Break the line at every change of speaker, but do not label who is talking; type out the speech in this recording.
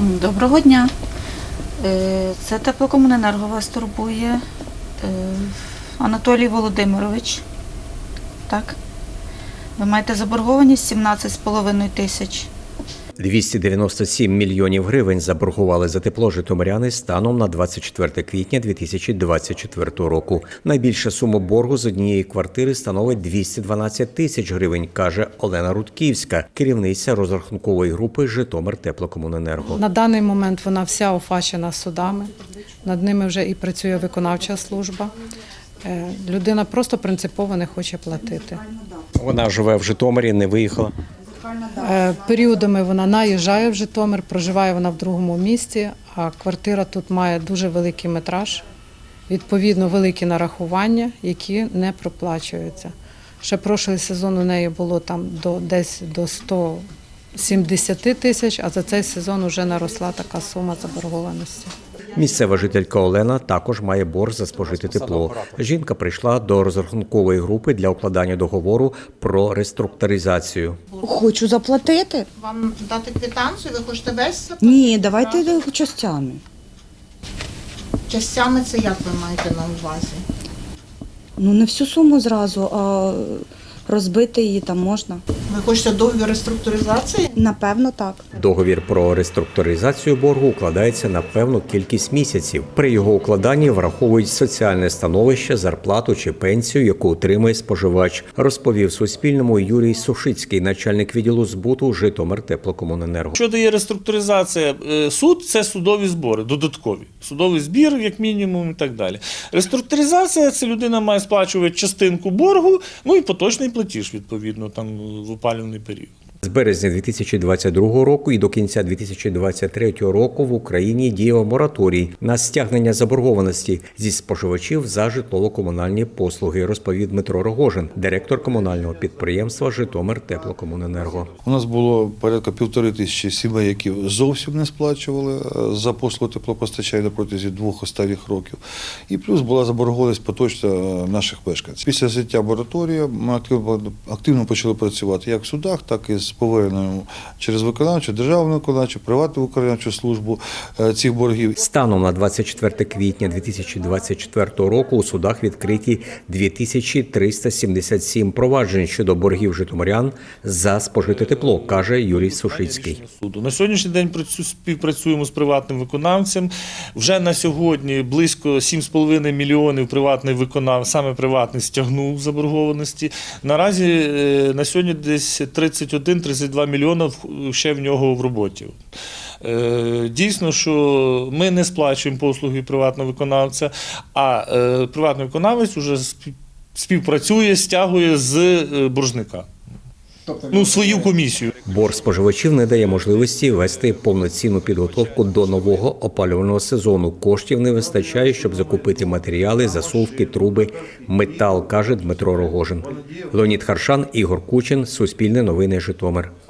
Доброго дня. Це Теплокомуненерго вас турбує. Анатолій Володимирович. Так? Ви маєте заборгованість 17,5 тисяч.
297 мільйонів гривень заборгували за тепло житомиряни станом на 24 квітня 2024 року. Найбільша сума боргу з однієї квартири становить 212 тисяч гривень, каже Олена Рудківська, керівниця розрахункової групи «Житомиртеплокомуненерго».
На даний момент вона вся офачена судами, над ними вже і працює виконавча служба. Людина просто принципово не хоче платити.
Вона живе в Житомирі, не виїхала?
Періодами вона наїжджає в Житомир, проживає вона в другому місті, а квартира тут має дуже великий метраж, відповідно великі нарахування, які не проплачуються. Ще прошлий сезон у неї було там десь до 170 тисяч, а за цей сезон вже наросла така сума заборгованості.
Місцева жителька Олена також має борг за спожите тепло. Жінка прийшла до розрахункової групи для укладання договору про реструктуризацію.
Хочу заплатити.
Вам дати квитанцію? Ви хочете весь заплатити?
Ні, давайте частями.
Частями це як ви маєте на увазі?
Ну, не всю суму зразу, а розбити її там можна.
Ви хочете договір реструктуризації?
Напевно, так.
Договір про реструктуризацію боргу укладається на певну кількість місяців. При його укладанні враховують соціальне становище, зарплату чи пенсію, яку отримує споживач, розповів Суспільному Юрій Сушицький, начальник відділу збуту Житомиртеплокомуненерго.
Що дає реструктуризація? Суд – це судові збори, додаткові. Судовий збір, як мінімум, і так далі. Реструктуризація – це людина має сплачувати частинку боргу, ну і поточний платіж, відповідно, там в опалювальний період.
З березня 2022 року і до кінця 2023 року в Україні діяв мораторій на стягнення заборгованості зі споживачів за житлово-комунальні послуги, розповів Дмитро Рогожин, директор комунального підприємства «Житомиртеплокомуненерго».
У нас було порядка 1500 сімей, які зовсім не сплачували за послугу теплопостачання на протязі 2 останніх років. І плюс була заборгованість поточна наших мешканців. Після зняття мораторію ми активно почали працювати як в судах, так і з поверненням через виконавчу, державну виконавчу, приватну виконавчу службу цих боргів.
Станом на 24 квітня 2024 року у судах відкриті 2377 проваджень щодо боргів житомирян за спожите тепло, каже Юрій Сушицький.
На сьогоднішній день співпрацюємо з приватним виконавцем. Вже на сьогодні близько 7,5 мільйонів саме приватний стягнув заборгованості. Наразі на сьогодні десь 31-32 мільйона ще в нього в роботі. Дійсно, що ми не сплачуємо послуги приватного виконавця, а приватний виконавець вже співпрацює, стягує з боржника. Свою комісію.
Борг споживачів не дає можливості вести повноцінну підготовку до нового опалювального сезону. Коштів не вистачає, щоб закупити матеріали, засувки, труби, метал, каже Дмитро Рогожин. Леонід Харшан, Ігор Кучин, Суспільне новини, Житомир.